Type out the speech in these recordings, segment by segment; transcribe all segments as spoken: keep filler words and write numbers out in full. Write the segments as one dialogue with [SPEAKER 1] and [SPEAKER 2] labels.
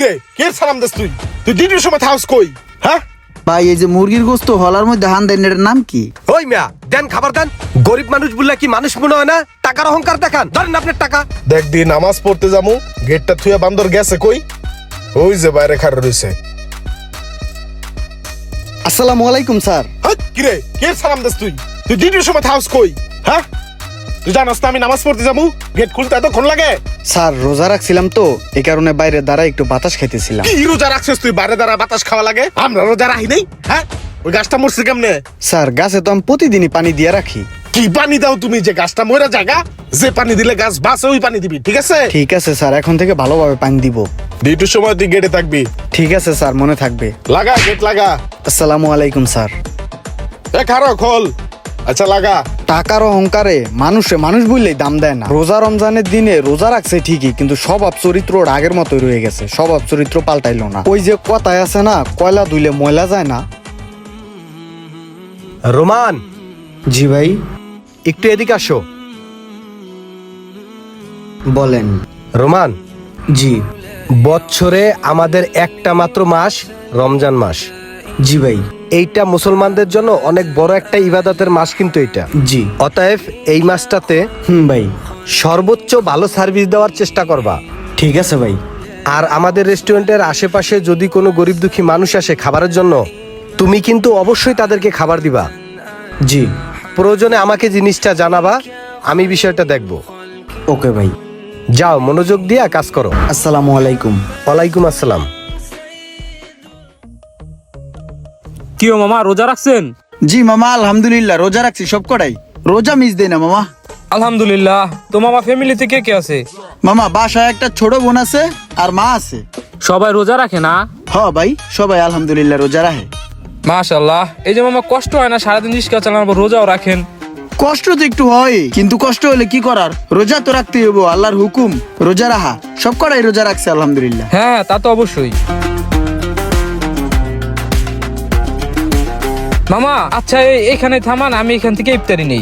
[SPEAKER 1] কিরে কে সালাম দিস তুই তুই ডিউটির সময় থাকস কই হ্যাঁ
[SPEAKER 2] ভাই এই যে মুরগির গোস্ত হলার মধ্যে হান দেন এটার নাম কি?
[SPEAKER 3] ওই মিয়া দেন খাবার দেন। গরিব মানুষ বললে কি মানুষ মনে হয় না? টাকার অহংকার দেখান, ধরেন আপনার টাকা।
[SPEAKER 1] দেখ দি নামাজ পড়তে যামু গেটটা থুয়া বান্দর গেছে কই? ওই যে বাইরে খাড়া রইছে।
[SPEAKER 2] আসসালামু আলাইকুম স্যার।
[SPEAKER 1] হ্যাঁ কিরে কে সালাম দিস তুই তুই ডিউটির সময় থাকস কই হ্যাঁ? তুই জানাস না আমি নামাজ পড়তে যামু গেট খুলতে এতক্ষণ লাগে?
[SPEAKER 2] স্যার রোজা রাখছিলাম তো এই কারণে বাইরে দাঁড়ায় একটু বাতাস খাইতেছিলাম।
[SPEAKER 1] কি রোজা রাখছিস তুই বাইরে দাঁড়া বাতাস খাওয়া লাগে? আমরা রোজা রাখি নাই হ্যাঁ? ওই গাছটা মরছে কেমনে?
[SPEAKER 2] স্যার গাছে তো আমি প্রতিদিনই পানি দিয়ে রাখি।
[SPEAKER 1] কি পানি দাও তুমি যে গাছটা মরে জায়গা? যে পানি দিলে গাছ বাঁচে ওই পানি দিবি ঠিক আছে?
[SPEAKER 2] ঠিক আছে স্যার, এখন থেকে ভালোভাবে পানি দিব।
[SPEAKER 1] ডিউটির সময় তুই গেটে থাকবি।
[SPEAKER 2] ঠিক আছে স্যার, মনে থাকবে।
[SPEAKER 1] লাগা গেট লাগা।
[SPEAKER 2] আসসালামু আলাইকুম স্যার।
[SPEAKER 1] এ খারো খোল। আচ্ছা লাগা।
[SPEAKER 2] টাকার অহংকারে মানুষে মানুষ বললেই দাম দেয় না। রোজা রমজানের দিনে রোজা রাখছে ঠিকই, কিন্তু স্বভাব চরিত্র ওর আগের মতোই রয়ে গেছে। স্বভাব চরিত্র পাল্টাইলো না। ওই যে কথায় আছে না, কয়লা ধুইলে ময়লা যায় না।
[SPEAKER 3] রোমান
[SPEAKER 2] জি ভাই
[SPEAKER 3] একটু এদিকে আসো।
[SPEAKER 2] বলেন।
[SPEAKER 3] রোমান
[SPEAKER 2] জি।
[SPEAKER 3] বছরে আমাদের একটা মাত্র মাস রমজান মাস।
[SPEAKER 2] জি ভাই।
[SPEAKER 3] এইটা মুসলমানদের জন্য অনেক বড় একটা ইবাদতের মাস কিন্তু এটা।
[SPEAKER 2] জি।
[SPEAKER 3] অতএব এই মাসটাতে
[SPEAKER 2] হুম ভাই।
[SPEAKER 3] সর্বোচ্চ ভালো সার্ভিস দেওয়ার চেষ্টা করবা।
[SPEAKER 2] ঠিক আছে ভাই।
[SPEAKER 3] আর আমাদের রেস্টুরেন্টের আশেপাশে যদি কোনো গরিব দুঃখী মানুষ আসে খাবারের জন্য, তুমি কিন্তু অবশ্যই তাদেরকে খাবার দিবা।
[SPEAKER 2] জি।
[SPEAKER 3] প্রয়োজনে আমাকে জিনিসটা জানাবা, আমি বিষয়টা দেখব।
[SPEAKER 2] ওকে ভাই।
[SPEAKER 3] যাও মনোযোগ দিয়া কাজ করো।
[SPEAKER 2] আসসালামু আলাইকুম।
[SPEAKER 3] ওয়ালাইকুম আসসালাম।
[SPEAKER 4] কি ও মামা রোজা রাখছেন?
[SPEAKER 2] জি মামা আলহামদুলিল্লাহ রোজা রাখছি সব কটাই। রোজা মিস দেই না মামা।
[SPEAKER 4] আলহামদুলিল্লাহ। তো মামা ফ্যামিলিতে কে কে আছে?
[SPEAKER 2] মামা বাসায় একটা ছোট বোন আছে আর মা আছে।
[SPEAKER 4] সবাই রোজা রাখে না?
[SPEAKER 2] হ ভাই সবাই আলহামদুলিল্লাহ রোজা রাখে।
[SPEAKER 4] মাশাআল্লাহ। এই যে মামা কষ্ট হয় না সারাদিন রিস্কা চালানোর পর রোজাও রাখেন?
[SPEAKER 2] কষ্ট তো একটু হয়, কিন্তু কষ্ট হলে কি করার, রোজা তো রাখতেই হবো, আল্লাহর হুকুম রোজা রাখা। সব কটাই রোজা রাখছে আলহামদুলিল্লাহ।
[SPEAKER 4] হ্যাঁ তা তো অবশ্যই। মামা আচ্ছা এই এখানে থামান, আমি এখান থেকে ইফতারি নেই।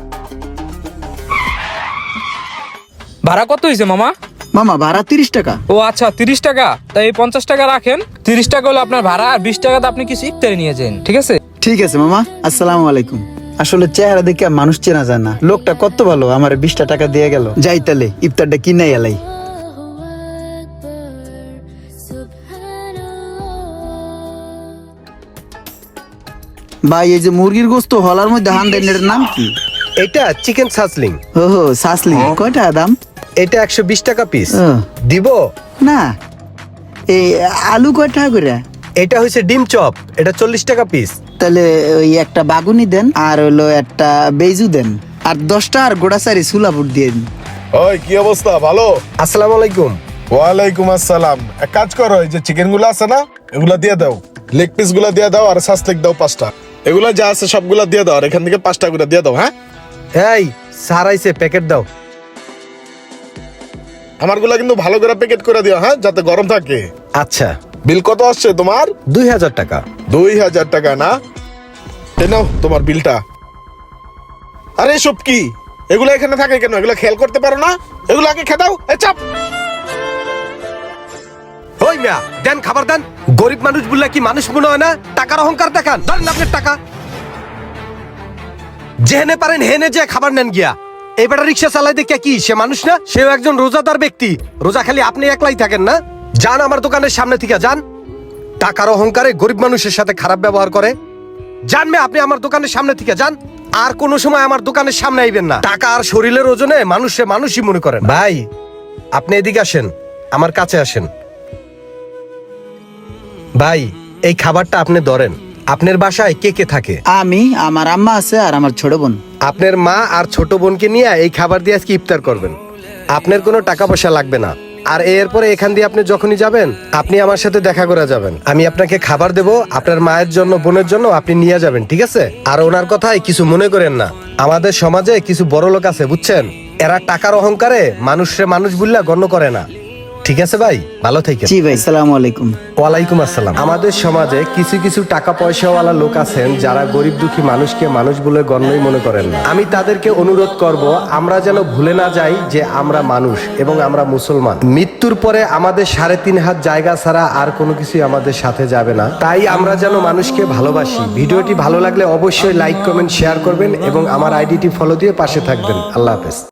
[SPEAKER 4] ভাড়া কত হয়েছে মামা?
[SPEAKER 2] মামা ভাড়া তিরিশ টাকা।
[SPEAKER 4] ও আচ্ছা তিরিশ টাকা। তাই এই পঞ্চাশ টাকা রাখেন। তিরিশ টাকা হলো আপনার ভাড়া, আর বিশ টাকাতে আপনি কিছু ইফতারি নিয়ে যান, ঠিক আছে?
[SPEAKER 2] ঠিক আছে মামা। আসসালামু আলাইকুম। আসলে চেহারা দেখে মানুষ চেনা যায় না। লোকটা কত ভালো, আমার বিশটা টাকা দিয়ে গেল। যাই তাহলে ইফতারটা কিনে এলাই। ভাই এই যে মুরগির গোস্ত হলার মধ্যে হান দেন এটার নাম কি?
[SPEAKER 3] এটা চিকেন সাসলিং।
[SPEAKER 2] ও হো সাসলি। কয়টা দাম?
[SPEAKER 3] এটা একশো বিশ টাকা পিস।
[SPEAKER 2] ও।
[SPEAKER 3] দিব
[SPEAKER 2] না এই আলু কয় টাকা করে?
[SPEAKER 3] এটা হচ্ছে ডিম চপ, এটা চল্লিশ টাকা পিস।
[SPEAKER 2] তাহলে ওই একটা বাগুনি দেন, আর হলো একটা বেজু দেন, আর দশটা আর গোড়াচারি সুলাপুর দিয়ে দিন।
[SPEAKER 1] ওই কি অবস্থা ভালো?
[SPEAKER 3] আসসালামু আলাইকুম।
[SPEAKER 1] ওয়ালাইকুম আসসালাম। এক কাজ করো এই যে চিকেন গুলো আছে না এগুলা দিয়ে দাও, লেগ পিস গুলা দিয়ে দাও, আর সাসলেক দাও পাঁচটা। এগুলা যা আছে সবগুলা দিয়ে দাও, আর এখান থেকে পাঁচটা করে দিয়ে দাও। হ্যাঁ
[SPEAKER 3] এই স্যার আইছে, প্যাকেট দাও।
[SPEAKER 1] আমারগুলা কিন্তু ভালো করে প্যাকেট করে দিও হ্যাঁ, যাতে গরম থাকে।
[SPEAKER 3] আচ্ছা।
[SPEAKER 1] বিল কত আসছে তোমার?
[SPEAKER 3] দুই হাজার টাকা।
[SPEAKER 1] দুই হাজার টাকা না? এ নাও তোমার বিলটা। আরে সব কি এগুলো এখানে থাকে কেন? এগুলো খেয়াল করতে পারো না? এগুলো আগে খেয়ে দাও। এ চাপ।
[SPEAKER 3] ওই মিয়া দেন খাবার দেন। গরিব মানুষ বললে কি মানুষ মনে হয় না? টাকার অহংকার দেখান, ধরেন আপনার টাকা। যেহেনে পারেন হেনে যে খাবার নেন গিয়া। এইবারে রিক্সা চালাই দেখে কি সে মানুষ না? সেও একজন রোজাদার ব্যক্তি। রোজা খালি আপনি একলাই থাকেন না? যান আমার দোকানের সামনে থেকে যান। টাকার অহংকারে গরিব মানুষের সাথে খারাপ ব্যবহার করে। যান মে আপনি আমার দোকানের সামনে থেকে যান। আর কোনো সময় আমার দোকানের সামনে আইবেন না। টাকা আর শরীরের ওজনে মানুষে মানুষই মনে করেন। ভাই আপনি এদিকে আসেন, আমার কাছে আসেন। ভাই এই খাবারটা আপনি ধরেন। আপনার বাসায় কে কে থাকে?
[SPEAKER 2] আমি, আমার আম্মা আছে আর আমার ছোট বোন।
[SPEAKER 3] আপনার মা আর ছোট বোনকে নিয়ে এই খাবার দিয়ে আজকে ইফতার করবেন। আপনার কোনো টাকা পয়সা লাগবে না। আর এরপরে এখান দিয়ে আপনি যখনই যাবেন আপনি আমার সাথে দেখা করে যাবেন। আমি আপনাকে খাবার দেব, আপনার মায়ের জন্য বোনের জন্য আপনি নিয়ে যাবেন, ঠিক আছে? আর ওনার কথায় কিছু মনে করেন না। আমাদের সমাজে কিছু বড় লোক আছে বুঝছেন, এরা টাকার অহংকারে মানুষে মানুষ বললা গণ্য করে না, ঠিক ঠিক আছে ভাই, ভালো থেকে।
[SPEAKER 5] জি ভাই, সালামু আলাইকুম।
[SPEAKER 3] ওয়ালাইকুম আসসালাম। আমাদের সমাজে কিছু কিছু টাকা পয়সাওয়ালা লোক আছেন যারা গরিব দুঃখী মানুষকে মানুষ বলে গণ্যই মনে করেন না। আমি তাদেরকে অনুরোধ করব আমরা যেন ভুলে না যাই যে আমরা মানুষ এবং আমরা মুসলমান। মৃত্যুর পরে আমাদের সাড়ে তিন হাত জায়গা ছাড়া আর কোনো কিছুই আমাদের সাথে যাবে না। তাই আমরা যেন মানুষকে ভালোবাসি। ভিডিওটি ভালো লাগলে অবশ্যই লাইক কমেন্ট শেয়ার করবেন এবং আমার আইডিটি ফলো দিয়ে পাশে থাকবেন। আল্লাহ হাফেজ।